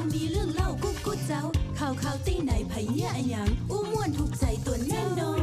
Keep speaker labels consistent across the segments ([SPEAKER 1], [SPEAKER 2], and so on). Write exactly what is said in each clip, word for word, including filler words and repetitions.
[SPEAKER 1] มีเรื่องเล่ากุ๊กกุ๊กเจ้าข่าวข่าวตีไหนไผเนี่ยอะหยังอู้ม่วนถูกใจตัวแน่นอน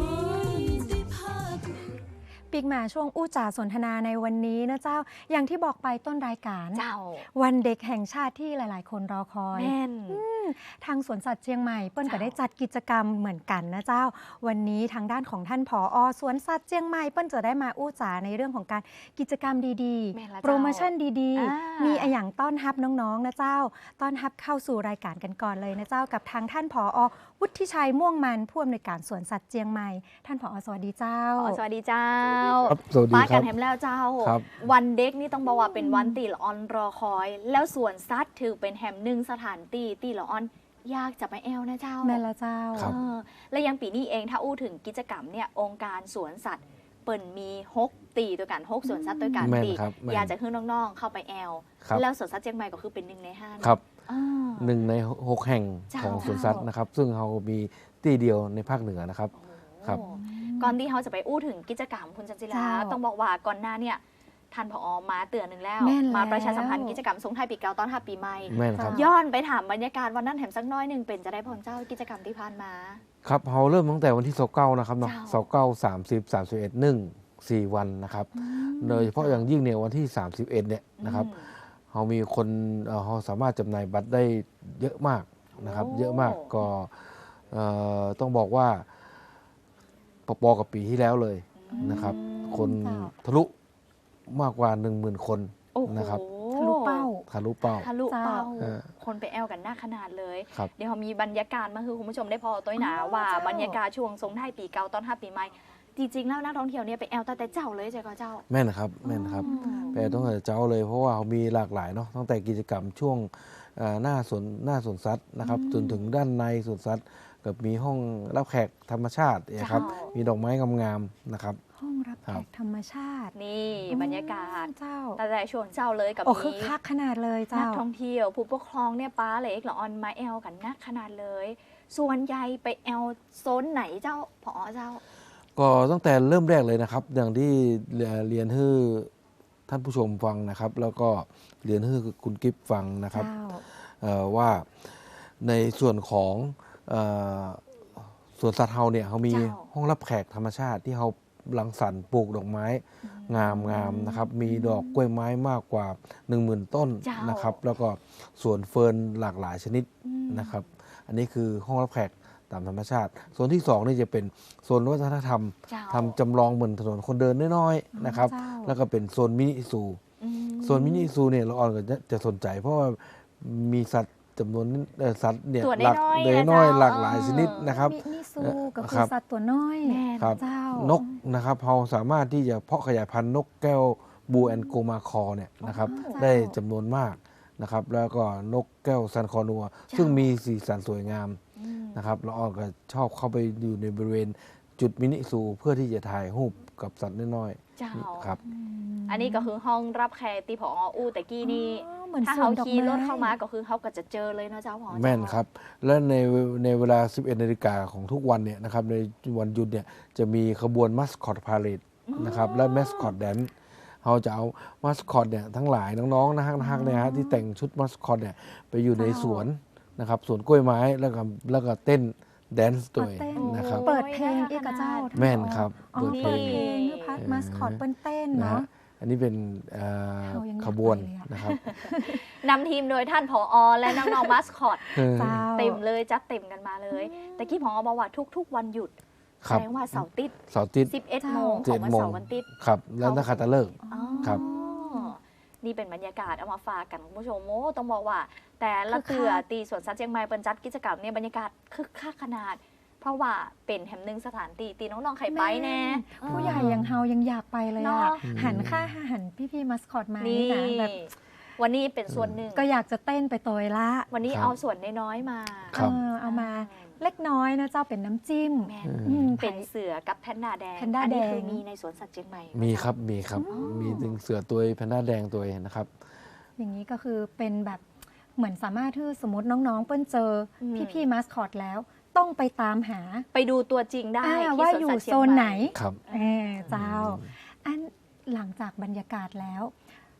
[SPEAKER 2] ปีกมาช่วงอู้จ่าสนทนาในวันนี้นะเจ้าอย่างที่บอกไปต้นรายการ
[SPEAKER 3] เจ้า
[SPEAKER 2] วันเด็กแห่งชาติที่หลายๆ คนรอคอย
[SPEAKER 3] แม่น
[SPEAKER 2] ทางสวนสัตว์เชียงใหม่เปิ้ลก็ได้จัดกิจกรรมเหมือนกันนะเจ้าวันนี้ทางด้านของท่านผอ.สวนสัตว์เชียงใหม่เปิ้ลจะได้มาอู้จ่าในเรื่องของการกิจกรรมดีๆโปรโมชั่นดีๆมีอย่างต้อนรับน้องๆนะเจ้าต้อนรับเข้าสู่รายการกันก่อนเลยนะเจ้ากับทางท่านผอ.วุฒิชัยม่วงมันผู้อำนวยการสวนสัตว์เชียงใหม่ท่านผอ.สวัสดีเจ้า
[SPEAKER 3] สวัสดีเจ้า
[SPEAKER 4] สวัสดีครับ
[SPEAKER 3] ป้ากันแฮมแล้วเจ้าวันเด็กนี่ต้องบอกว่าเป็นวันตีละออนรอคอยแล้วสวนสัตว์ถือเป็นแฮมหนึ่งสถานตีตีละออนยากจะไปแอลนะเจ้า
[SPEAKER 2] แม่ละเจ้า
[SPEAKER 3] และยังปีนี้เองถ้าอู้ถึงกิจกรรมเนี่ยองค์การสวนสัตว์เปิ่นมีหกตีตัวกันหกสวนสัตว์ตัวกันตีอยากจะขึ้นน้องๆเข้าไปแอลแล้วสวนสัตว์เชียงใหม่ก็คือเป็นหนึ่งในห้า
[SPEAKER 4] ครับหนึ่งในหกแห่งของสวนสัตว์นะครับซึ่งเรามีตีเดียวในภาคเหนือนะครับครับ
[SPEAKER 3] ก่อนที่เขาจะไปอู้ถึงกิจกรรมคุณจันจิราต้องบอกว่าก่อนหน้าเนี่ยท่านผอ.มาเตือนหนึ่งแล้วมาประชาสัมพันธ์กิจกรรมส่งท้ายปีเก่าต้อนรับปีใหม่ย้อนไปถามบรรยากาศวันนั้นแถมสักน้อยหนึ่งเป็นจะได้พรเจ้ากิจกรรมที่ผ่านมา
[SPEAKER 4] ครับเราเริ่มตั้งแต่วันที่สิบเก้านะครับเนาะสิบเก้า สามสิบ สามสิบเอ็ด หนึ่ง สี่วันนะครับโดยเฉพาะอย่างยิ่งเนี่ยวันที่สามสิบเอ็ดเนี่ยนะครับเรามีคนเราสามารถจำหน่ายบัตรได้เยอะมากนะครับเยอะมากก็ต้องบอกว่าปอๆกับปีที่แล้วเลยนะครับคนทะลุมากกว่า หนึ่งหมื่น คนนะครับ
[SPEAKER 2] ทะลุเป้า
[SPEAKER 4] ทะลุเป้า
[SPEAKER 3] ทะลุเป้าคนไปแอลกันหน้าขนาดเลยเดี๋ยวเขามีบรรยากาศมาคือคุณผู้ชมได้พอตัวหนาว่าบรรยากาศช่วงทรงท้ายปีเก่าต้อนรับปีใหม่จริงๆแล้วนักท่องเที่ยวเนี่ยไปแอลแต่แต่เจ้าเลยใช่ไหมเจ้า
[SPEAKER 4] แม่นครับแม่นครับไปต้องแต่เจ้าเลยเพราะว่าเขามีหลากหลายเนาะตั้งแต่กิจกรรมช่วงหน้าสวนหน้าสวนสัตว์นะครับจนถึงด้านในสวนสัตว์กับมีห้องรับแขกธรรมชาตินะครับมีดอกไม้งามๆนะครับ
[SPEAKER 2] ห้องรับแขกธรรมชาติ
[SPEAKER 3] นี่บรรยากาศ
[SPEAKER 2] เจ้า
[SPEAKER 3] แต่แต่ช่วงเจ้าเลยกับ
[SPEAKER 2] มีคือคักขนาดเลยเจ้านั
[SPEAKER 3] กท่องเที่ยวผู้ปกครองเนี่ยป้าเล็กหรอออนมาแอลกันนักขนาดเลยส่วนใหญ่ไปแอลโซนไหนเจ้าผอ.เจ้า
[SPEAKER 4] ก็ตั้งแต่เริ่มแรกเลยนะครับอย่างที่เรียนให้ท่านผู้ชมฟังนะครับแล้วก็เรียนให้คุณกิฟฟังนะครับว่าในส่วนของสวนสัตว์เฮาเนี่ยเขามีห้องรับแขกธรรมชาติที่เขารังสรรค์ปลูกดอกไม้งามๆนะครับมีดอกกล้วยไม้มากกว่า หนึ่งหมื่น ต้นนะครับแล้วก็สวนเฟิร์นหลากหลายชนิดนะครับอันนี้คือห้องรับแขกตามธรรมชาติโซนที่สองนี่จะเป็นโซนวัฒนธรรมทำจำลองเหมือนถนนคนเดินน้อยๆนะครับแล้วก็เป็นโซนมินิซูโซนมินิซูเนี่ยเราออนก็จะสนใจเพราะว่ามีสัตว์จำนวนสัตว์เนี่ยหลักเล็กน้อยหลากหลายชนิดนะครับ
[SPEAKER 2] มินิซูก็คือสัตว์ตัวน้อย
[SPEAKER 4] ครับนกนะครับเราสามารถที่จะเพาะขยายพันธุ์นกแก้วบูแอนโกมาคอเนี่ยนะครับได้จำนวนมากนะครับแล้วก็นกแก้วซันคอนัวซึ่งมีสีสันสวยงามนะครับเราออนก็ชอบเข้าไปอยู่ในบริเวณจุดมินิซูเพื่อที่จะถ่ายรูปกับสัตว์น้อยๆครับ
[SPEAKER 3] อันนี้ก็คือห้องรับแขกที่ผอ.อู้แต่กี้นี่ถ้าเขาขี่รถเข้ามาก็คือเขาก็จะเจอเลยนะเจ้าผอ.
[SPEAKER 4] แม่นครับและในในเวลา สิบเอ็ดนาฬิกาของทุกวันเนี่ยนะครับในวันหยุดเนี่ยจะมีขบวนมัสคอตพาเลทนะครับและมัสคอตแดนซ์เขาจะเอามัสคอตเนี่ยทั้งหลายน้องๆนะฮะนะฮะเนี่ยฮะที่แต่งชุดมัสคอตเนี่ยไปอยู่ในสวนนะครับสวนกล้วยไม้แล้วก็แล้วก็เต้นแดนซ์ตัวนะครับ
[SPEAKER 2] เปิดเพลงอีกเจ้า
[SPEAKER 4] แม่นครับ
[SPEAKER 2] เปิดเพลงคือพัดมัสคอตเต้นเนาะ
[SPEAKER 4] อันนี้เป็นขบวนนะครับ
[SPEAKER 3] นำทีมโดยท่านผอ.และน้องๆมัสคอตเต็มเลยจัดเต็มกันมาเลยแต่กี้ผอ.บอกว่าทุกๆวันหยุดแสดงว่าเสาร์ติด
[SPEAKER 4] เสาร์ติด
[SPEAKER 3] สิบเอ็ดโมงของวันเสาร์วันติด
[SPEAKER 4] ครับแล้วนักขัตฤกษ์ครับ
[SPEAKER 3] นี่เป็นบรรยากาศเอามาฝากกันคุณผู้ชมโอ้ต้องบอกว่าแต่ละเตือตีสวนสัตว์เชียงใหม่เปิดจัดกิจกรรมเนี่ยบรรยากาศคึกคักขนาดเพราะว่าเป็นแห่งหนึ่งสถานตีตีน้องๆไข่ไปแน่
[SPEAKER 2] ผู้ใหญ่ยังเฮายังอยากไปเลยอ่ะหันค่าหันพี่ๆมัสคอตมานี่นะแบบ
[SPEAKER 3] วันนี้เป็นส่วนหนึ่ง
[SPEAKER 2] ก็อยากจะเต้นไปตัวละ
[SPEAKER 3] วันนี้เอาส่วนน้อยๆมา
[SPEAKER 2] เอามาเล็กน้อยนะเจ้าเป็นน้ำจิ้ม
[SPEAKER 3] เป็นเสือกับแพนด้าแดง
[SPEAKER 2] แพนด้าแดง
[SPEAKER 3] มีในสวนสัตว์เชียงใหม่
[SPEAKER 4] มีครับมีครับมีถึงเสือตัวแพนด้าแดงตัวนะครับ
[SPEAKER 2] อย่างนี้ก็คือเป็นแบบเหมือนสามารถที่สมมติน้องๆเปิ้ลเจอพี่ๆมัสคอตแล้วต้องไปตามหา
[SPEAKER 3] ไปดูตัวจริงได้
[SPEAKER 2] ว่าอยู่โซนไหน
[SPEAKER 4] ครับ
[SPEAKER 2] เจ้าอันหลังจากบรรยากาศแล้ว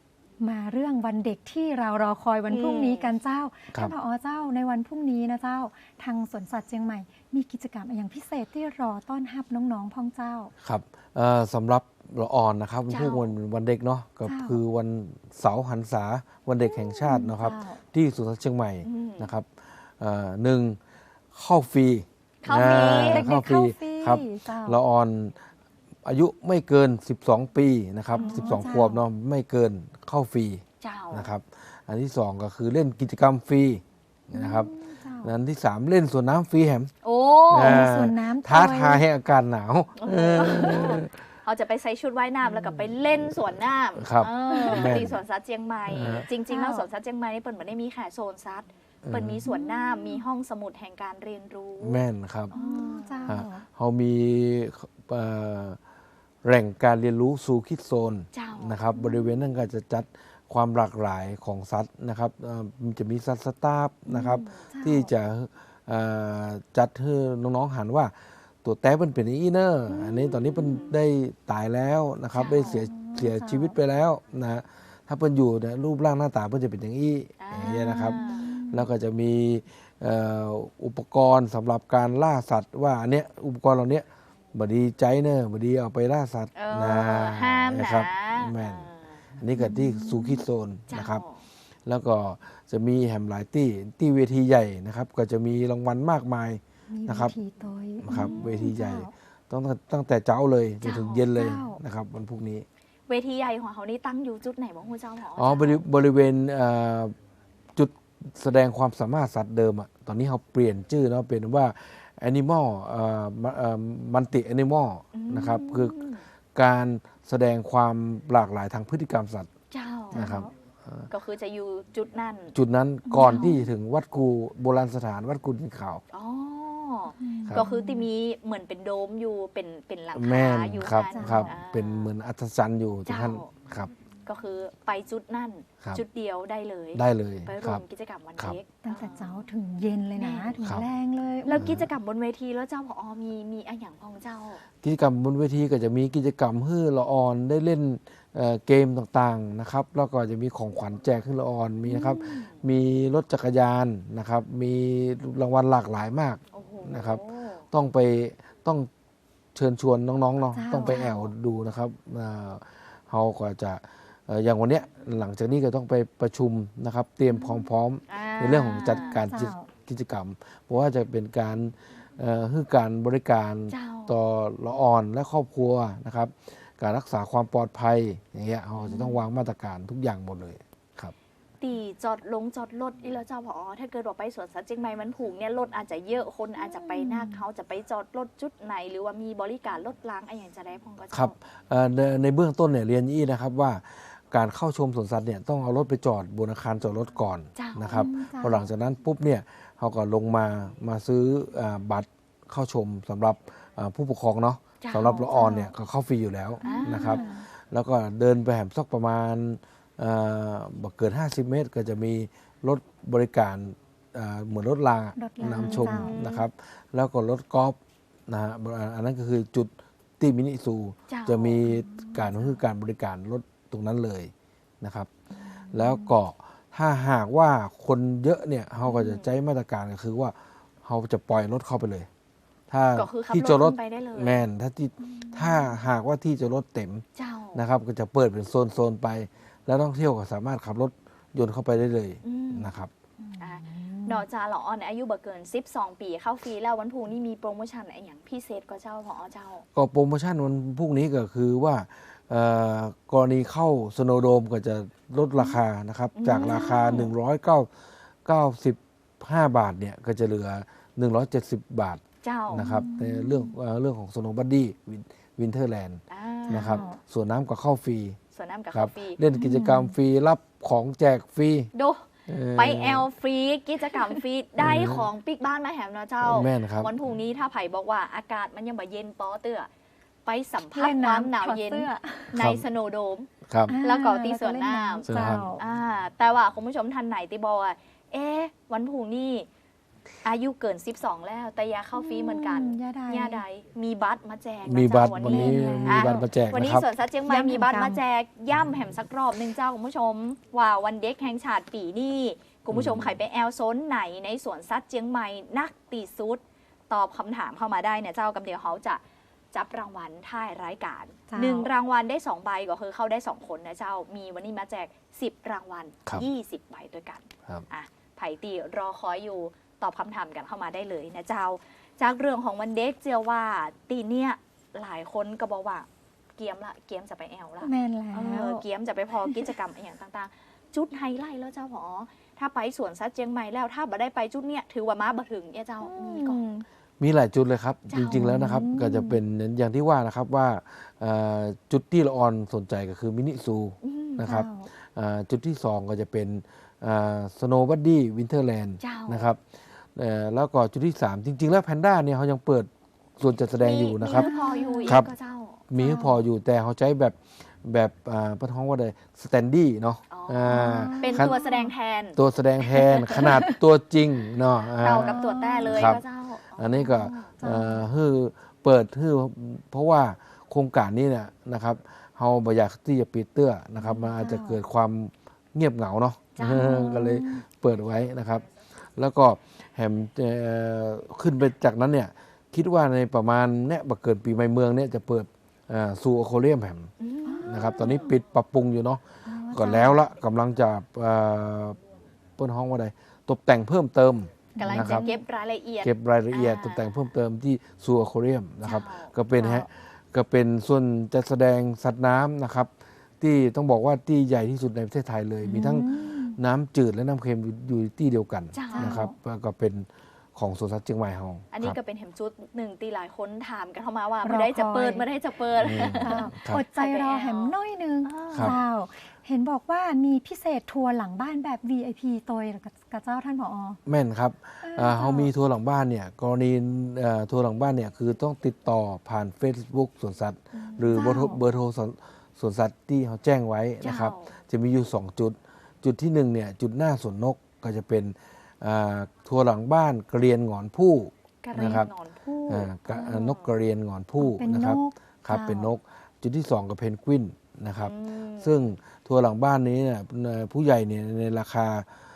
[SPEAKER 2] มาเรื่องวันเด็กที่เรารอคอยวันพรุ่งนี้กันเจ้า
[SPEAKER 4] ครั
[SPEAKER 2] ท่า
[SPEAKER 4] บ
[SPEAKER 2] นผอเจ้าในวันพรุ่งนี้นะเจ้าทางสวนสัตว์เชียงใหม่มีกิจกรรมอย่างพิเศษที่รอต้อนรับน้องๆพ่องเจ้า
[SPEAKER 4] ครับเอ่อสำหรับละอ่อนนะครับ
[SPEAKER 3] เจ้า
[SPEAKER 4] พวกวันวันเด็กเนาะก็
[SPEAKER 2] เจ้า
[SPEAKER 4] คือวันเสาร์หันษาวันเด็กแห่งชาตินะครับ
[SPEAKER 2] เจ้า
[SPEAKER 4] ที่สวนสัตว์เชียงใหม่
[SPEAKER 3] อืม
[SPEAKER 4] นะครับเอ่อหนึ่งเข้าฟรี
[SPEAKER 3] เข้าฟรี
[SPEAKER 4] อ่
[SPEAKER 2] เด็กๆเข้าฟรี
[SPEAKER 4] ครับ
[SPEAKER 2] เจ้า
[SPEAKER 4] ละอ่อนอายุไม่เกิน สิบสอง ปีนะครับ
[SPEAKER 2] อ๋อ
[SPEAKER 4] สิบสอง
[SPEAKER 2] เจ้า
[SPEAKER 4] ขวบเนาะไม่เกินเข้าฟรี
[SPEAKER 3] เจ้า
[SPEAKER 4] นะครับ อันที่สองก็คือเล่นกิจกรรมฟรีนะครับ
[SPEAKER 2] เจ้า
[SPEAKER 4] อันที่สามเล่นสวนน้ำฟรีแฮม
[SPEAKER 3] โอ้
[SPEAKER 4] อ่า
[SPEAKER 2] มีสวนน้ำ
[SPEAKER 4] ท้า
[SPEAKER 2] ด้วย
[SPEAKER 4] ทายให้อากาศหนาวเออ
[SPEAKER 3] เขาจะไปใส่ชุดว่ายน้ำแล้วก็ไปเล่นสวนน้ำ
[SPEAKER 4] ครับ
[SPEAKER 3] เออ
[SPEAKER 4] แม่น
[SPEAKER 3] ที่สวนสัตว์เชียงใหม่
[SPEAKER 4] อ่า
[SPEAKER 3] จริงๆแล้วสวนสัตว์เชียงใหม่นี่เปิดไม่ได้มีแค่โซนสัตว์เปิดมีสวนน้ำมีห้องสมุดแห่งการเรียนรู้
[SPEAKER 4] แม่นครับ
[SPEAKER 2] อ๋อเจ้า
[SPEAKER 4] ฮะเขามีเอ่อแหล่งการเรียนรู้สู่คิดโซน
[SPEAKER 3] เจ้า
[SPEAKER 4] นะครับบริเวณนั้นก็จะจัดความหลากหลายของสัตว์นะครับเอ่อมันจะมีสัตว์สตาฟนะครับ
[SPEAKER 2] เจ้า
[SPEAKER 4] ที่จะเอ่อจัดให้น้องๆหันว่าตัวแต้เป็นเป็นอีเนอร์อันนี้ตอนนี้เป็นได้ตายแล้วนะครับ
[SPEAKER 3] เจ้า
[SPEAKER 4] ได้เสียเสียชีวิตไปแล้วนะฮะถ้าเป็นอยู่เนี่ยรูปร่างหน้าตาเป็นจะเป็นอย่างนี้อย่างเงี้ยนะครับ แล้วก็จะมีเอ่ออุปกรณ์สำหรับการล่าสัตว์ว่าอันเนี้ยอุปกรณ์เหล่านี้บดีใจเนอะบดีเอาไปล่าสัตว์
[SPEAKER 3] เออ
[SPEAKER 4] นะ
[SPEAKER 3] ห้ามนะ
[SPEAKER 4] ครับแม่นอันนี้ก็ที่ซูคิโซน
[SPEAKER 3] เจ้า
[SPEAKER 4] นะครับ แล้วก็จะมีแฮมหลายที่ที่เวทีใหญ่นะครับ ก็จะมีรางวัลมากมาย
[SPEAKER 2] มี
[SPEAKER 4] นะครับ
[SPEAKER 2] เวทีโต้ย
[SPEAKER 4] นะครับ
[SPEAKER 2] อืม
[SPEAKER 4] เวทีใหญ่
[SPEAKER 2] เจ้า
[SPEAKER 4] ต้องตั้งแต่เช้าเลยจน
[SPEAKER 3] เจ้า
[SPEAKER 4] ถึงเย็นเลย
[SPEAKER 2] เจ้าน
[SPEAKER 4] นะครับวันพรุ่งนี้
[SPEAKER 3] เวทีใหญ่ของเขานี่ตั้งอยู่จุดไหนบ้างคุณเจ้าหมอ
[SPEAKER 4] อ๋อบริบริเวณเอ่อจุดแสดงความสามารถสัตว์เดิมอะตอนนี้เขาเปลี่ยนชื่อเนาะเป็นว่า Animal เอ่อมันติ Animal นะครับคือการแสดงความหลากหลายทางพฤติกรรมสัตว์
[SPEAKER 3] เจ้า
[SPEAKER 4] นะครับ
[SPEAKER 3] ก็คือจะอยู่จุดนั้น
[SPEAKER 4] จุดนั้นก่อนที่จะถึงวัดกูโบราณสถานวัดกูดินขาว
[SPEAKER 3] อ๋อ
[SPEAKER 4] ครับ
[SPEAKER 3] ก็คือที่มีเหมือนเป็นโดมอยู่เป็นเป็นหลัง
[SPEAKER 4] แม่
[SPEAKER 3] คาน อยู่
[SPEAKER 4] ครับ
[SPEAKER 3] นั่น
[SPEAKER 4] ครับ
[SPEAKER 3] อ่า
[SPEAKER 4] เป็นเหมือนอัศจรรย์อยู่ที่ท่าน
[SPEAKER 3] เจ้า
[SPEAKER 4] ครับ
[SPEAKER 3] ก็คือไปจุดนั่น
[SPEAKER 4] ครับ
[SPEAKER 3] จุดเดียวได้เลย
[SPEAKER 4] ได้เลย
[SPEAKER 3] ไป
[SPEAKER 4] ค
[SPEAKER 3] ร่ว
[SPEAKER 4] รับ
[SPEAKER 3] มกิจกรรมวัน
[SPEAKER 4] ครับ
[SPEAKER 3] เด็ก
[SPEAKER 2] ตั้งแต่เช้าถึงเย็นเลยนะ ถึง
[SPEAKER 4] ครับ
[SPEAKER 2] แรงเลย
[SPEAKER 3] แล้วกิจกรรมบนเวทีแล้วเจ้าพอมีมีอะไรอย่างพองเจ้า
[SPEAKER 4] กิจกรรมบนเวทีก็จะมีกิจกรรมให้ละออนได้เล่นเอ่อเกมต่างๆนะครับ แล้วก็จะมีของขวัญแจกให้ละออนมีนะครับ มีรถจักรยานนะครับ มีรางวัลหลากหลายมาก
[SPEAKER 3] โอ้โห
[SPEAKER 4] นะครับ ต้องไปต้องเชิญชวนน้องๆเนาะ
[SPEAKER 2] เจ้า
[SPEAKER 4] ต้องไปแอวดูนะครับอ่าเราก็จะเอ่ออย่างวันเนี้ยหลังจากนี้ก็ต้องไปประชุมนะครับ เตรียมความพร้อม
[SPEAKER 3] อ่า
[SPEAKER 4] ในเรื่องของจัดการกิจ
[SPEAKER 2] เจ้า
[SPEAKER 4] กิจกรรม เพราะว่าจะเป็นการเอ่อให้การบริการ
[SPEAKER 3] เจ้า
[SPEAKER 4] ต่อละอ่อนและครอบครัวนะครับ การรักษาความปลอดภัยอย่างเงี้ยเราจะต้องวางมาตรการทุกอย่างหมดเลยครับ
[SPEAKER 3] ตีจอดลงจอดรถอีแล้วเจ้าพอถ้าเกิดว่าไปสวนสัตว์เชียงใหม่มันผูกเนี่ยรถอาจจะเยอะคนอาจจะไปหน้าเขาจะไปจอดรถจุดไหน หรือว่ามีบริการรถล้างอะไรอย่างจะได้พองก็เจ้า
[SPEAKER 4] ครับเอ่อในในเบื้องต้นเนี่ยเรียนยี่นะครับว่าการเข้าชมสวนสัตว์เนี่ยต้องเอารถไปจอดบนอาคารจอดรถก่อน
[SPEAKER 3] เจ้าน
[SPEAKER 4] นะครับ
[SPEAKER 2] อืมเจ้า
[SPEAKER 4] พอหลังจากนั้นปุ๊บเนี่ยเขาก็ลงมามาซื้ออาบัตรเข้าชมสำหรับอ่าผู้ปกครองเนาะ
[SPEAKER 3] เจ้า
[SPEAKER 4] สำหรับละออนเนี่ยก็เข้าฟรีอยู่แล้ว
[SPEAKER 3] อ่าน
[SPEAKER 4] นะครับ แล้วก็เดินไปแหมสักประมาณเอ่อบ่เกิน ห้าสิบ เมตร ก็จะมีรถบริการอ่าเหมือนรถรางอะ
[SPEAKER 2] รถราง
[SPEAKER 4] นำชม
[SPEAKER 2] เจ้าน
[SPEAKER 4] นะครับ แล้วก็รถกอล์ฟนะฮะอันนั้นก็คือจุดที่มินิซู
[SPEAKER 3] เจ้า
[SPEAKER 4] จะมีการคือการบริการรถตรงนั้นเลยนะครับ แล้วก็ถ้าหากว่าคนเยอะเนี่ยเขาก็จะใช้มาตรการก็คือว่าเขาจะปล่อยรถเข้าไปเลย ถ้า
[SPEAKER 3] ก็คือขับ
[SPEAKER 4] ที่
[SPEAKER 3] รถ
[SPEAKER 4] จอดรถ
[SPEAKER 3] ขึ้นไปได้เลย
[SPEAKER 4] แมนถ้าที่ถ้าหากว่าที่จอดรถเต็ม
[SPEAKER 3] เจ้า
[SPEAKER 4] นะครับ ก็จะเปิดเป็นโซนๆไป แล้วนักท่องเที่ยวก็สามารถขับรถยนต์เข้าไปได้เลย
[SPEAKER 3] อืม
[SPEAKER 4] นะครับ
[SPEAKER 3] อ่ะนอกจากละออนอายุบ่เกินสิบสองปีเข้าฟรีแล้ววันพรุ่งนี้มีโปรโมชั่นอะไรอย่างพิเศษก็เจ้าพอเจ้า
[SPEAKER 4] ก็โปรโมชั่นวันพรุ่งนี้ก็คือว่าเอ่อกรณีเข้าสโนโดมก็จะลดราคานะครับ
[SPEAKER 3] อืม
[SPEAKER 4] จากราคา หนึ่งร้อยเก้าสิบห้า บาทเนี่ยก็จะเหลือ หนึ่งร้อยเจ็ดสิบ บาท
[SPEAKER 3] เจ้า
[SPEAKER 4] นะครับในเรื่องเอ่อเรื่องของสโนบัดดี้วินเทอร์แลนด์
[SPEAKER 3] อ่า
[SPEAKER 4] นะครับส่วนน้ำก็เข้าฟรี
[SPEAKER 3] ส่วนน้ำกับ
[SPEAKER 4] ครั
[SPEAKER 3] คา
[SPEAKER 4] บ
[SPEAKER 3] ฟรี
[SPEAKER 4] เล่นกิจกรรมฟรีรับของแจกฟรี
[SPEAKER 3] ดู
[SPEAKER 4] เอ่อ
[SPEAKER 3] ไปแอลฟรีกิจกรรมฟรีได้ของปิกบ้านมาแหมนะเจ้า
[SPEAKER 4] แม่นครับ
[SPEAKER 3] วันพรุ่งนี้ถ้าไผ่บอกว่าอากาศมันยังบ่เย็นปอเตื้อไปสัมผัส
[SPEAKER 2] เล่น
[SPEAKER 3] ความ
[SPEAKER 2] น้ำ
[SPEAKER 3] หนาว
[SPEAKER 2] ถอด
[SPEAKER 3] เย็น
[SPEAKER 2] เสื้อ
[SPEAKER 3] ในสโนโดม
[SPEAKER 4] ครับ
[SPEAKER 2] อ่า
[SPEAKER 3] แล้วก็ตีสวนน้ำ
[SPEAKER 2] แล้วก็เล่
[SPEAKER 4] เจ้า
[SPEAKER 2] เจ้า
[SPEAKER 3] อ่าแต่ว่าคุณผู้ชมท่านไหนที่บอกว่าเอ๊ะวันพรุ่งนี้อายุเกินสิบสองแล้วแต่ยาเข้าฟรีเหมือนกัน
[SPEAKER 2] ยาใด
[SPEAKER 3] ยาใดมีบัตรมาแจกนะ
[SPEAKER 4] มีบัตร
[SPEAKER 3] เจ้า
[SPEAKER 4] วันนี้
[SPEAKER 3] อ่ะ
[SPEAKER 4] มีบัตรมาแจก
[SPEAKER 3] วัน
[SPEAKER 4] นะ
[SPEAKER 3] นี้
[SPEAKER 4] ครับ
[SPEAKER 3] สวนสัตว์เชียงใหม่
[SPEAKER 2] ย่ำ
[SPEAKER 3] มีบัตร
[SPEAKER 2] แห่งกรรม
[SPEAKER 3] มาแจกย่ำแหมสักรอบหนึ่งเจ้าคุณผู้ชม ว่าวันเด็กแห่งชาติปีนี้คุณผู้ชมใครไปแอลโซนไหนในสวนสัตว์เชียงใหม่นักตีสุด ตอบคำถามเข้ามาได้เนี่ยเจ้ากำเดียวเขาจะจับรางวัลท้ายรายการ
[SPEAKER 2] เจ้า
[SPEAKER 3] หนึ่งรางวัลได้สองใบก็คือเข้าได้สองคนนะเจ้ามีวันนี้มาแจกสิบรางวัล
[SPEAKER 4] ครับ
[SPEAKER 3] ยี่สิบใบด้วยกัน
[SPEAKER 4] ครับ
[SPEAKER 3] อ่ะไผ่ตีรอคอยอยู่ตอบคำถามกันเข้ามาได้เลยนะเจ้า จากเรื่องของวันเด็กเจียวว่าตีเนี่ยหลายคนก็บอกว่าเกียมละเกียมจะไปแอลละ
[SPEAKER 2] แม่นแล้
[SPEAKER 3] เอ
[SPEAKER 2] ว
[SPEAKER 3] อเกียมจะไปพอกิจกรรมอย่างต่างๆ จุดไฮไลท์แล้วเจ้าหมอถ้าไปสวนสัตว์เชียงใหม่แล้วถ้าบ่ได้ไปจุดเนี่ยถือว่ามาบ่ถึงเนี่ยเจ้ามีก่อน
[SPEAKER 4] มีหลายจุดเลยครับ
[SPEAKER 3] เจ้า
[SPEAKER 4] จริง ๆ แล้วนะครับ ก็จะเป็นอย่างที่ว่านะครับว่าเอ่อจุดที่ละออนสนใจก็คือมินิซู
[SPEAKER 3] อืม
[SPEAKER 4] นะครับ
[SPEAKER 2] เจ้า
[SPEAKER 4] อ่าจุดที่สองก็จะเป็นสโนว์บัดดี้วินเทอร์แลนด์
[SPEAKER 3] เจ้าน
[SPEAKER 4] นะครับเอ่อแล้วก็จุดที่สามจริง ๆ แล้วแพนด้าเนี่ยเขายังเปิดส่วนจัดแสดงอยู่นะครับ
[SPEAKER 3] มีพออยู่อีก
[SPEAKER 4] ครับ
[SPEAKER 3] ก็เจ้า
[SPEAKER 4] มีให้พออยู่แต่เขาใช้แบบแบบอ่าประท้องว่าใดสแตนดี้เนาะ
[SPEAKER 3] อ๋ออ่
[SPEAKER 4] า
[SPEAKER 3] เป็น
[SPEAKER 4] ขน
[SPEAKER 3] ตัวแสดงแทน
[SPEAKER 4] ตัวแสดงแทน ขนาดตัวจริงเนาะอ่า
[SPEAKER 3] เต่ากับตัวแต้เลย
[SPEAKER 4] ครับ
[SPEAKER 3] ก็เจ้า
[SPEAKER 4] อันนี้ก็เอ่อคือเปิดคือเพราะว่าโครงการนี้เนี่ยนะครับเฮาบ่อยากที่จะปิดเตื้อนะครับมันอาจจะเกิดความเงียบเหงาเนาะ
[SPEAKER 3] จ้า
[SPEAKER 4] ก็เลยเปิดไว้นะครับ แล้วก็แหมเอ่อขึ้นไปจากนั้นเนี่ยคิดว่าในประมาณเนี่ยบักเกิดปีใหม่เมืองเนี่ยจะเปิดซูโอโคเรียมแหม
[SPEAKER 3] อืม
[SPEAKER 4] นะครับตอนนี้ปิดปรับปรุงอยู่เนาะก่อนแล้วละกำลังจะเอ่อเปิ้นห้องว่าใดตกแต่งเพิ่มเติม
[SPEAKER 3] กำลัง
[SPEAKER 4] นะค
[SPEAKER 3] จะ
[SPEAKER 4] รับ
[SPEAKER 3] เก็บรายละเอียด
[SPEAKER 4] เก็บรายละเอียด
[SPEAKER 3] อ่า
[SPEAKER 4] ตกแต่งเพิ่มเติมที่ซูอควาเรียมนะครับ
[SPEAKER 3] เจ้า
[SPEAKER 4] ก็เป็นฮะก็เป็นส่วนจัดแสดงสัตว์น้ำนะครับ ที่ต้องบอกว่าที่ใหญ่ที่สุดในประเทศไทยเลย มีทั้งน้ำจืดและน้ำเค็มอยู่อยู่ที่เดียวกัน
[SPEAKER 3] เจ้าน
[SPEAKER 4] นะครับแล้วก็เป็นของสวนสัตว์เชียงใหม่เฮา
[SPEAKER 3] อันนี้
[SPEAKER 4] ค
[SPEAKER 3] ก็
[SPEAKER 4] รับ
[SPEAKER 3] เป็นเห็มจุดหนึ่งตีหลายคนถามกันเข้ามาว่า
[SPEAKER 2] รอ
[SPEAKER 3] เมื่อได้จะเปิด
[SPEAKER 2] คอย
[SPEAKER 3] เมื่อได้จะเปิด
[SPEAKER 4] อืม
[SPEAKER 2] เจ้า
[SPEAKER 4] ครับ
[SPEAKER 2] อดใจรอแหมน้อยหนึง
[SPEAKER 4] ครับ
[SPEAKER 2] เจ้า เห็นบอกว่ามีพิเศษทัวร์หลังบ้านแบบ วี ไอ พี ตัวกับเจ้าท่านผอ
[SPEAKER 4] แม่นครับ
[SPEAKER 2] เออ
[SPEAKER 4] อ่าเขามีทัวร์หลังบ้านเนี่ยกรณีเอ่อทัวร์หลังบ้านเนี่ยคือต้องติดต่อผ่าน Facebook สวนสัตว์ หรือเบอร์โทร
[SPEAKER 2] เจ้า
[SPEAKER 4] เบอร์โทรสวนสวนสัตว์ที่เขาแจ้งไว้นะครับ
[SPEAKER 3] เจ้า
[SPEAKER 4] จะมีอยู่ สอง จุด จุดที่หนึ่งเนี่ยจุดหน้าสวนนกก็จะเป็นอ่าทัวร์หลังบ้านกระเรียนหงอนผู้
[SPEAKER 3] กระเรีย
[SPEAKER 4] นะครับ
[SPEAKER 3] นหนอนผู้
[SPEAKER 4] อ่ากะนกกระเรียนหงอนผู้
[SPEAKER 2] เป็น
[SPEAKER 4] นะ
[SPEAKER 2] น
[SPEAKER 4] ครับ
[SPEAKER 2] ก
[SPEAKER 4] ครับ
[SPEAKER 2] เจ้า
[SPEAKER 4] เป็นนก จุดที่สองก็เพนกวินนะครับ
[SPEAKER 3] อืม
[SPEAKER 4] ซึ่งทัวร์หลังบ้านนี้เนี่ยเอ่อผู้ใหญ่เนี่ยในราคา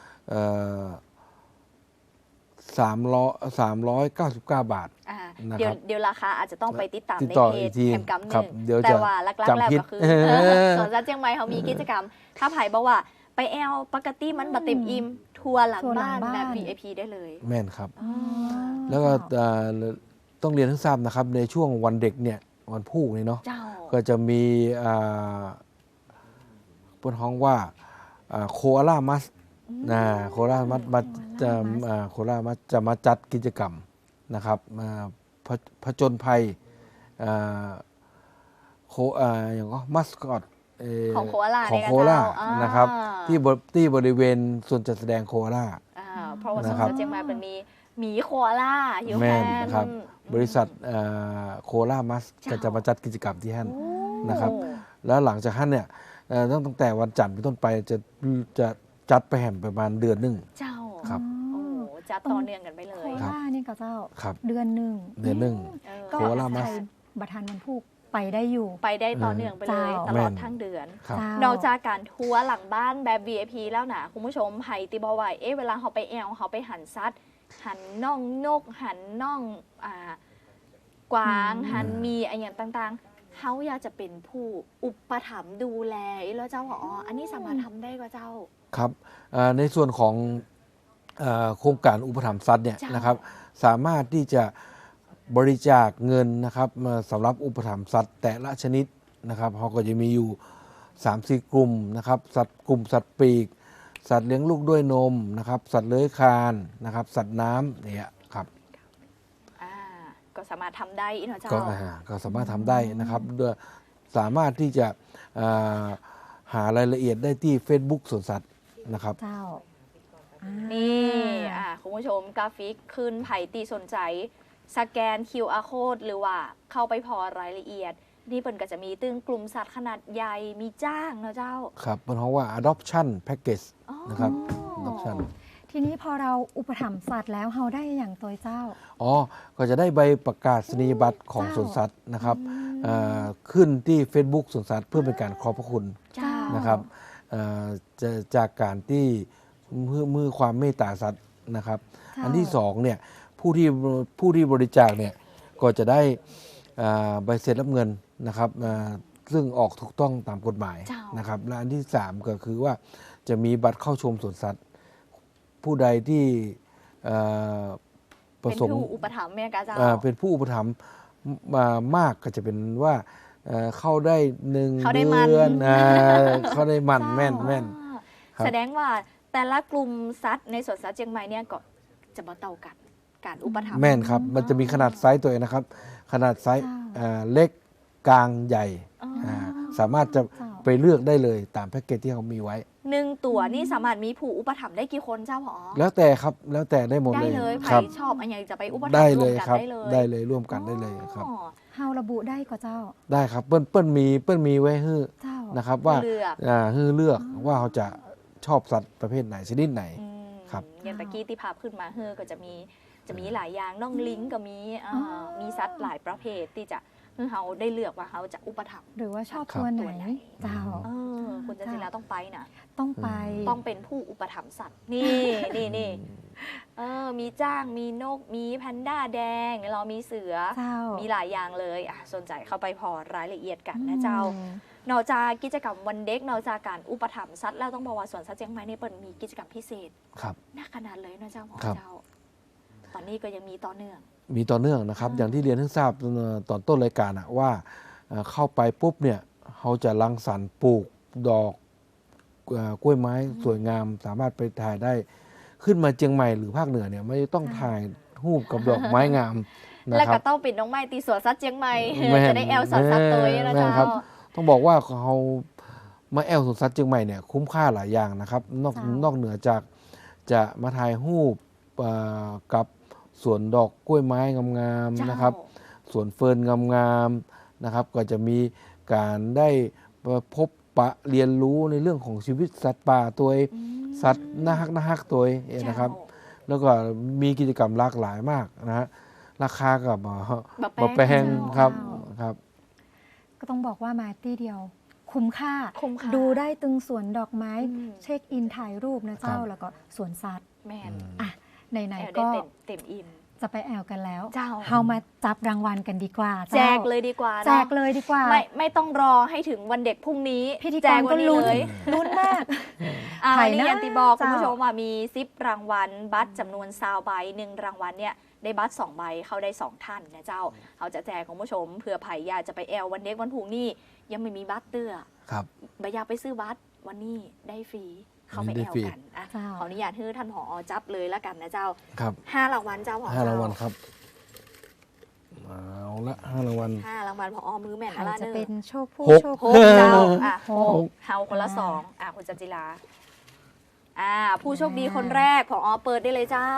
[SPEAKER 4] สามร้อยสามร้อยเก้าสิบเก้าบาท
[SPEAKER 3] อ่า
[SPEAKER 4] นะครับ
[SPEAKER 3] เดี๋ยวเดี๋ยวราคาอาจจะต้องไปติดตาม
[SPEAKER 4] ติด
[SPEAKER 3] ใน
[SPEAKER 4] ต่อ
[SPEAKER 3] เพ
[SPEAKER 4] อี
[SPEAKER 3] จ
[SPEAKER 4] กที
[SPEAKER 3] แคมกัมห
[SPEAKER 4] ครับ
[SPEAKER 3] นึ่ง
[SPEAKER 4] เดี๋ยว
[SPEAKER 3] แต่
[SPEAKER 4] จะ
[SPEAKER 3] ว่าลักๆ
[SPEAKER 4] จำ
[SPEAKER 3] แล้ว
[SPEAKER 4] ผิด
[SPEAKER 3] ก็คือ
[SPEAKER 4] เออ
[SPEAKER 3] เออสวนสัตว์เชียงใหม่เขามีกิจกรรม ถ้าไผ่บอกว่าไปแอลปกติมันบัเต็มอิ่มทัวร์หลัง
[SPEAKER 2] ทัวร์หลัง
[SPEAKER 3] บ้านแบบ
[SPEAKER 2] บ้าน
[SPEAKER 3] วี ไอ พี ได้เลย
[SPEAKER 4] แม่นครับ
[SPEAKER 2] อ๋อ
[SPEAKER 4] แล้วก็เอ่อต้องเรียนให้ทราบนะครับ ในช่วงวันเด็กเนี่ยวันพูกนี่เนาะ
[SPEAKER 3] เจ้า
[SPEAKER 4] ก็จะมีอ่าบนห้องว่าโคอาล่ามัสนะโคอาล่ามัสมาจะอ่าโคอาล่ามัสจะมาจัดกิจกรรมนะครับมาผผจญภัยอ่าโคอ่าอย่างก็มัสคอตเ
[SPEAKER 3] ของโคอาล่า
[SPEAKER 4] ของ
[SPEAKER 3] เนี่ยนะ
[SPEAKER 4] โคอาล่า
[SPEAKER 3] เจ้าอ่าน
[SPEAKER 4] นะครับ ที่บที่บริเวณส่วนจัดแสดงโคอาล่า
[SPEAKER 3] อ่าเพราะว่าสวน
[SPEAKER 4] นะครับ
[SPEAKER 3] สัตว์เชียงใหม่มันมีหมีโคอาล่าอยู่
[SPEAKER 4] แม่
[SPEAKER 3] แค่
[SPEAKER 4] นครับ บริษัทโคอาล่ามัส
[SPEAKER 3] เจ้า
[SPEAKER 4] ก็จะมาจัดกิจกรรมที่ฮั่น
[SPEAKER 3] โอ้
[SPEAKER 4] นะครับ แล้วหลังจากนั้นเนี่ยเอ่อตั้งตั้งแต่วันจันทร์เป็นต้นไปจะจะจัดไปแห่มประมาณเดือนหนึ่ง
[SPEAKER 3] เจ้า
[SPEAKER 4] ครับ
[SPEAKER 3] โอ้จะต่อเนื่องกันไปเล
[SPEAKER 2] โค
[SPEAKER 3] ย
[SPEAKER 2] ราชนี่ก็เจ้า
[SPEAKER 4] ครับ
[SPEAKER 2] เดือนหนึ่ง
[SPEAKER 4] เดือนหนึ่ง
[SPEAKER 3] เออ
[SPEAKER 2] ก็
[SPEAKER 4] โคราชมัส
[SPEAKER 2] ใครบัทานวันพูกไปได้อยู่
[SPEAKER 3] ไปได้ต่อเนื่องไปเลย
[SPEAKER 2] เจ้า
[SPEAKER 3] ตลอด
[SPEAKER 4] แม่น
[SPEAKER 3] ทั้งเดือน
[SPEAKER 4] ครับ
[SPEAKER 2] เจ้าน
[SPEAKER 3] อกจากการทัวร์หลังบ้านแบบ วี ไอ พี แล้วนะคุณผู้ชมไผ่ติบอไวเอ๊ะเวลาเขาไปแอลเขาไปหันซัด หันน่องนก หันน่องอ่ากวาง
[SPEAKER 2] อืม
[SPEAKER 3] หันมีอะไรอย่างต่างๆเขาอยากจะเป็นผู้อุปถัมภ์ดูแลแล้วเจ้าอ๋ออันนี้สามารถทำได้ก็เจ้า
[SPEAKER 4] ครับเอ่อในส่วนของเอ่อโครงการอุปถัมภ์สัตว์เนี่ย
[SPEAKER 3] เจ้าน
[SPEAKER 4] นะครับสามารถที่จะบริจาคเงินนะครับมาสำหรับอุปถัมภ์สัตว์แต่ละชนิดนะครับเขาก็จะมีอยู่ สามสี่ กลุ่มนะครับสัตว์กลุ่มสัตว์ปีก สัตว์เลี้ยงลูกด้วยนมนะครับสัตว์เลื้อยคลานนะครับสัตว์น้ำเนี่ยครับ
[SPEAKER 3] อ่าก็สามารถทำได้อีกเนาะเจ้า
[SPEAKER 4] ก็อ่าก็สามารถทำได้นะครับด้วยสามารถที่จะอ่าหารายละเอียดได้ที่ Facebook สวนสัตว์นะครับ
[SPEAKER 2] เจ้าอ่า
[SPEAKER 3] นี่อ่าคุณผู้ชมกราฟิกขึ้นไผ่ตีสนใจสแกน คิว อาร์ code หรือว่าเข้าไปพอรายละเอียด นี่เปิ่นก็จะมีตึงกลุ่มสัตว์ขนาดใหญ่มีจ้างเนาะเจ้า
[SPEAKER 4] ครับเป็นเพราะว่า adoption package
[SPEAKER 3] อ๋อ
[SPEAKER 4] นะครับ adoption
[SPEAKER 2] ทีนี้พอเราอุปถัมภ์สัตว์แล้วเฮาได้อย่างตัวเจ้า
[SPEAKER 4] อ๋อก็จะได้ใบประกาศนียบัตรของสวนสัตว์นะครับขึ้นที่ Facebook สวนสัตว์เพื่อเป็นการขอบพระคุณนะครับจะจากการที่มือมือความเมตตาสัตว์นะครับอันที่สองเนี่ยผู้ที่ผู้ที่บริจาคเนี่ยก็จะได้ใบเสร็จรับเงินนะครับซึ่งออกถูกต้องตามกฎหมายนะครับและอันที่สามก็คือว่าจะมีบัตรเข้าชมสวนสัตว์ผู้ใดที่ประสงค์เป็นผู้อุปถัมภ์แม่กาเจ้าเป็นผู้อุปถัมภ์มามากก็จะเป็นว่าเข้าได้หนึ่งเดือนเข้าได้มันแม่นแม่น
[SPEAKER 3] แสดงว่าแต่ละกลุ่มสัตว์ในสวนสัตว์เชียงใหม่เนี่ยก็จะมาเต่ากันการอุปถัมภ์
[SPEAKER 4] แม่นครับมันจะมีขนาดไซส์ตัวเองนะครับขนาดไซส์เล็กกลางใหญ่สามารถจะไปเลือกได้เลยตามแพ็กเกจที่เขามีไว้
[SPEAKER 3] หนึ่งตัวนี่สามารถมีผู้อุปถัมภ์ได้กี่คนเจ้าหรอ
[SPEAKER 4] แล้วแต่ครับแล้วแต่ได้หมดเลย
[SPEAKER 3] ได้เลยใครชอบอันไหนจะไปอุปถัมภ์
[SPEAKER 4] ได้เลยครับได้เลยร่วมกันได้เลยครับ
[SPEAKER 2] เฮาระบุได้ก็เจ้า
[SPEAKER 4] ได้ครับเปิ้ลเปิ้ลมีเปิ้ลมีไว้ให้นะครับว่าอ่าให้เลือกว่าเขาจะชอบสัตว์ประเภทไหนชนิดไหนครับ
[SPEAKER 3] อย่างตะกี้ที่ภาพขึ้นมาเฮอก็จะมีจะมีหลายอย่างน้องลิงก็มีมีสัตว์หลายประเภทที่จะคือเขาได้เลือกว่าเขาจะอุปถัมภ์
[SPEAKER 2] หรือว่าชอบตัวไหนเจ้า
[SPEAKER 3] คุณจันจิราต้องไปนะ
[SPEAKER 2] ต้องไป
[SPEAKER 3] ต้องเป็นผู้อุปถัมภ์สัตว์นี่นี่นี่เออมีจ้างมีนกมีแพนด้าแดงเรามีเสือมีหลายอย่างเลยอ่ะสนใจเข้าไปพอรายละเอียดกันนะเจ้านอกจากกิจกรรมวันเด็กนอกจากการอุปถัมภ์สัตว์แล้วต้องบอกว่าสวนสัตว์เชียงใหม่นี่เปิดมีกิจกรรมพิเศษน่าขนาดเลยนะเจ้าของเจ้าตอนนี้ก็ยังมีต่อเนื่อง
[SPEAKER 4] มีต่อเนื่องนะครับอย่างที่เรียนให้ทราบตอนต้นรายการว่าเข้าไปปุ๊บเนี่ยเขาจะรังสรรค์ปลูกดอกกล้วยไม้สวยงามสามารถไปถ่ายได้ขึ้นมาเชียงใหม่หรือภาคเหนือเนี่ยไม่ต้องถ่ายรูปกับดอกไม้งาม
[SPEAKER 3] นะครับแล้วก็ต้องปิดน้องไม้ตีสวนสัตว์เชียงใหม่จะได้แอลสัตว์สัตว์ตัวนี้นะเจ้า
[SPEAKER 4] ต้องบอกว่าเขามาแอลสวนสัตว์เชียงใหม่เนี่ยคุ้มค่าหลายอย่างนะครับนอกนอกเหนือจากจะมาถ่ายรูปกับสวนดอกกล้วยไม้งามๆนะครับสวนเฟิร์นงามๆนะครับก็จะมีการได้พบปะเรียนรู้ในเรื่องของชีวิตสัตว์ป่าตัวสัตว์น่าฮักน่าฮักตัวนะครับแล้วก็มีกิจกรรมหลากหลายมากนะฮะราคากับบะแปงครับครับ
[SPEAKER 2] ก็ต้องบอกว่ามาที่เดียวคุ้มค่าดูได้ตึงสวนดอกไม้เช็คอินถ่ายรูปนะเจ้าแล้วก็สวนสัตว์
[SPEAKER 3] แม่น
[SPEAKER 2] อ่ะไหนๆก็
[SPEAKER 3] เต็มอิ่ม
[SPEAKER 2] จะไปแอลกันแล้วเฮามาจับรางวัลกันดีกว่า
[SPEAKER 3] แจกเลยดีกว่า
[SPEAKER 2] แจกเลยดีกว่า
[SPEAKER 3] ไม่ไม่ต้องรอให้ถึงวันเด็กพรุ่งนี้
[SPEAKER 2] พิธีกรก็ลุ้นลุ้นมาก
[SPEAKER 3] ถ่ายนี่ยันติบอกคุณผู้ชมว่ามีซิปรางวัลบัตรจำนวนซาวใบหนึ่งรางวัลเนี่ยได้บัตรสองใบเข้าได้สองท่านนะเจ้าเขาจะแจกคุณผู้ชมเผื่อไผ่อยากจะไปแอลวันเด็กวันพรุ่งนี้ยังไม่มีบัตรเตื้อ
[SPEAKER 4] ครับ
[SPEAKER 3] ใบอยากไปซื้อบัตรวันนี้ได้ฟรีเข้าไปแอลกันอ่ะขออนุญาตให้ท่านผอจับเลยแล้วกันนะเจ้า
[SPEAKER 4] ครับ
[SPEAKER 3] ห้ารางวัลเจ้าผอ
[SPEAKER 4] ห้ารางวัลครับเอาละห้ารางวัล
[SPEAKER 3] ห้ารางวัลผอมือแม่นอะไร
[SPEAKER 2] จะเป็นโชคผู้
[SPEAKER 4] โช
[SPEAKER 2] ค
[SPEAKER 3] เจ้าอ่ะหกเฮาคนละสองอ่ะคุณจันจิราอ่าผู้โชคดีคนแรกผอเปิดได้เลยเจ้า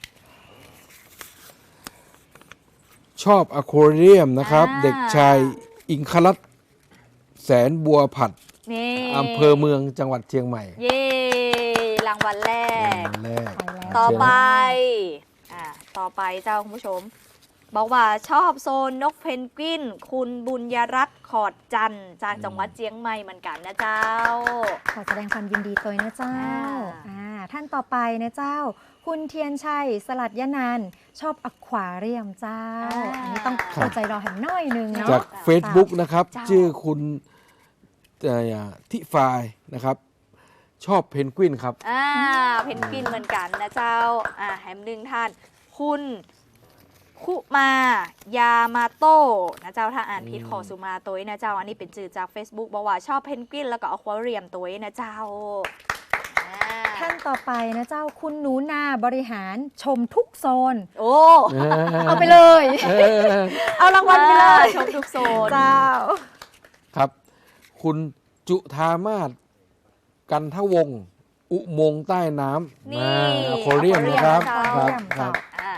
[SPEAKER 4] ชอบอะควาเรียมนะครับเด็กชายอิงคลัตแสนบัวผัดอำเภอเมืองจังหวัดเชียงใหม่
[SPEAKER 3] เย่รางวัลแรกต่อไปอ่าต่อไปเจ้าคุณผู้ชมบอกว่าชอบโซนนกเพนกวินคุณบุญยรัตน์ขอดจันทร์จากจังหวัดเชียงใหม่เหมือนกันนะเจ้า
[SPEAKER 2] ขอแสดงความยินดีตัวนะเจ้าอ่าท่านต่อไปนะเจ้าคุณเทียนชัยสลัดยะนันชอบอควาเรียมเจ้าอันนี้ต้องเข้าใจรอแหมน้อยนึงเนาะ
[SPEAKER 4] จาก Facebook นะครับชื่อคุณทิฟายนะครับชอบเพนกวินครับ
[SPEAKER 3] อ่าเพนกวินเหมือนกันนะเจ้าอ่าแฮมหนึ่งท่านคุณคุมายามาโต้นะเจ้าถ้าอ่านผิดขอสุมาตัวนะเจ้าอันนี้เป็นจื่อจาก Facebook บอกว่าชอบเพนกวินแล้วก็อควาเรียมตัวนะเจ้า
[SPEAKER 2] ท่านต่อไปนะเจ้าคุณหนูนาบริหารชมทุกโซน
[SPEAKER 3] โอ้
[SPEAKER 2] เอาไปเลยเอารางวัลไปเลย
[SPEAKER 3] ชมทุกโซน
[SPEAKER 2] เจ้า
[SPEAKER 4] ครับคุณจุธามาศกันทวงศ์อุโมงค์ใต้น้ำ
[SPEAKER 3] นี่
[SPEAKER 4] อควาเรียมนะครับครับ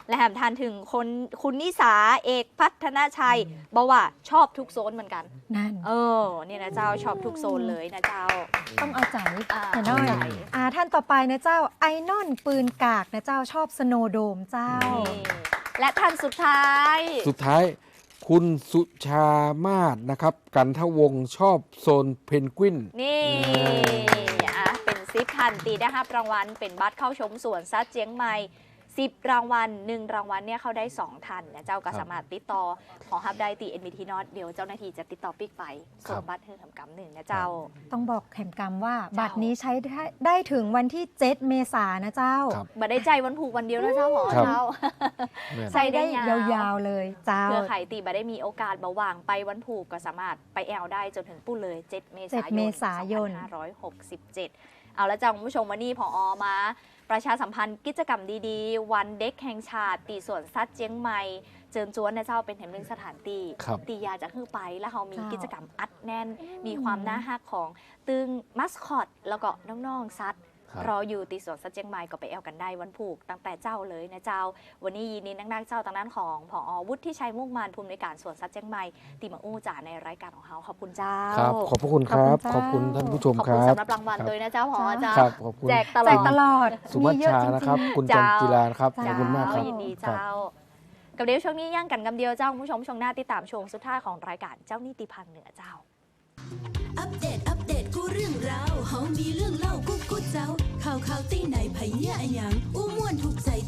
[SPEAKER 3] และแถมทานถึงคนคุณนิสาเอกพัฒนาชัยบอกว่าชอบทุกโซนเหมือนกัน
[SPEAKER 2] นั่น
[SPEAKER 3] เออเนี่ยนะเจ้าชอบทุกโซนเลยนะเจ้า
[SPEAKER 2] ต้องเอาใจ
[SPEAKER 3] อ่า
[SPEAKER 2] แต่น้อย
[SPEAKER 3] เอาใจ
[SPEAKER 2] อ่าท่านต่อไปนะเจ้าไอนอนปืนกากนะเจ้าชอบสโนว์โดมเจ้า
[SPEAKER 3] นี่และท่านสุดท้าย
[SPEAKER 4] สุดท้ายคุณสุชามาศนะครับ กันทวงศ์ชอบโซนเพนกวิน
[SPEAKER 3] นี่อ่ะเป็นซิปทันตีได้รับรางวัลเป็นบัตรเข้าชมสวนซัดเจียงใหม่สิบรางวัลหนึ่งรางวัลเนี่ยเขาได้สองทันนะเจ้าก็สามารถติดต่อขอฮับได้ตี เอ็น บี ที Not เดี๋ยวเจ้าหน้าที่จะติดต่อปิกไปส่งบัตรให้ทำกรรมหนึ่งนะเจ้า
[SPEAKER 2] ต้องบอกแขมกรรมว่า
[SPEAKER 3] เจ้า
[SPEAKER 2] บัตรนี้ใช้ได้ได้ถึงวันที่เจ็ดเมษายนนะเจ้า
[SPEAKER 4] ครับ
[SPEAKER 3] บัตรได้ใจวันผูกวันเดียวนะเจ้าหมอ
[SPEAKER 4] ครับ
[SPEAKER 3] เจ้า
[SPEAKER 4] แม่น
[SPEAKER 3] ใส่ได้
[SPEAKER 2] ได้ยาวๆเลยเจ้า
[SPEAKER 3] เพื่อไขตีบัตรได้มีโอกาสเบาหวางไปวันผูกก็สามารถไปแอลได้จนถึงปุ้เลยเจ็ดเมษายน
[SPEAKER 2] เจ็ดเมษายน
[SPEAKER 3] สองพันห้าร้อยหกสิบเจ็ดเอาละจ้าคุณผู้ชมวันนี้ผอมาประชาสัมพันธ์กิจกรรมดีๆ วันเด็กแห่งชาติตีสวนสัตว์เจียงใหม่เจิญจวนนะเจ้าเป็นแห่งหนึ่งสถานตี
[SPEAKER 4] ครับ
[SPEAKER 3] ตียาจะขึ้นไปแล้วเขามี
[SPEAKER 2] เจ้า
[SPEAKER 3] กิจกรรมอัดแน่น มีความน่าฮักของตึงมัสคอตแล้วก็น้องๆสัตว์
[SPEAKER 4] ครับ
[SPEAKER 3] รออยู่ตีสวนสัตว์เจียงใหม่ก็ไปแอลกันได้วันผูกตั้งแต่เจ้าเลยนะเจ้า วันนี้ยินดีนักๆเจ้าทางด้านของผอวุฒิชัยมุ่งมานภูมิในวยการสวนสัตว์เจียงใหม่ตีมาอู้จ่าในรายการของเขาขอบคุณเจ้า
[SPEAKER 4] ครับ ขอบพระคุณครับ
[SPEAKER 2] ข
[SPEAKER 4] ข
[SPEAKER 2] อ
[SPEAKER 4] อ
[SPEAKER 2] บบ คุ
[SPEAKER 4] คุณ ณ
[SPEAKER 2] เจ้า
[SPEAKER 4] ท่านผู้ชม
[SPEAKER 3] ขอบ
[SPEAKER 4] ค
[SPEAKER 3] คุณ
[SPEAKER 4] รับ
[SPEAKER 3] สำหรับรางวัล
[SPEAKER 4] ครับ
[SPEAKER 3] ด้วยนะเจ้าผอเจ้า
[SPEAKER 4] ครับขอบคุณ
[SPEAKER 3] แจกตล
[SPEAKER 2] แจ
[SPEAKER 3] อก ด
[SPEAKER 2] ตลอด
[SPEAKER 4] สุวัช
[SPEAKER 2] มีเยอะ
[SPEAKER 4] ชา
[SPEAKER 2] จงๆ
[SPEAKER 4] นะครับ คุณจั
[SPEAKER 3] เจ้า
[SPEAKER 4] นจิรานะครับ ขอบคุณมากครับ
[SPEAKER 3] ยินดี
[SPEAKER 4] ครั
[SPEAKER 3] เจ้า
[SPEAKER 4] บ
[SPEAKER 3] กับเดี๋ยวช่วงนี้ย่างกันกำเดียวเจ้าคุณผู้ชมช่วงหน้าติดตามช่วงสุดท้ายของรายการเจ้านิติพันธ์เหนือเจ้า
[SPEAKER 1] อัปเดต อัปเดต กูเรื่องราวเฮามีเรื่องเล่ากูกูเจ้า ข่าวข่าวตีไหนไผเหี้ยอะหยังอู้ม่วนถูกใจ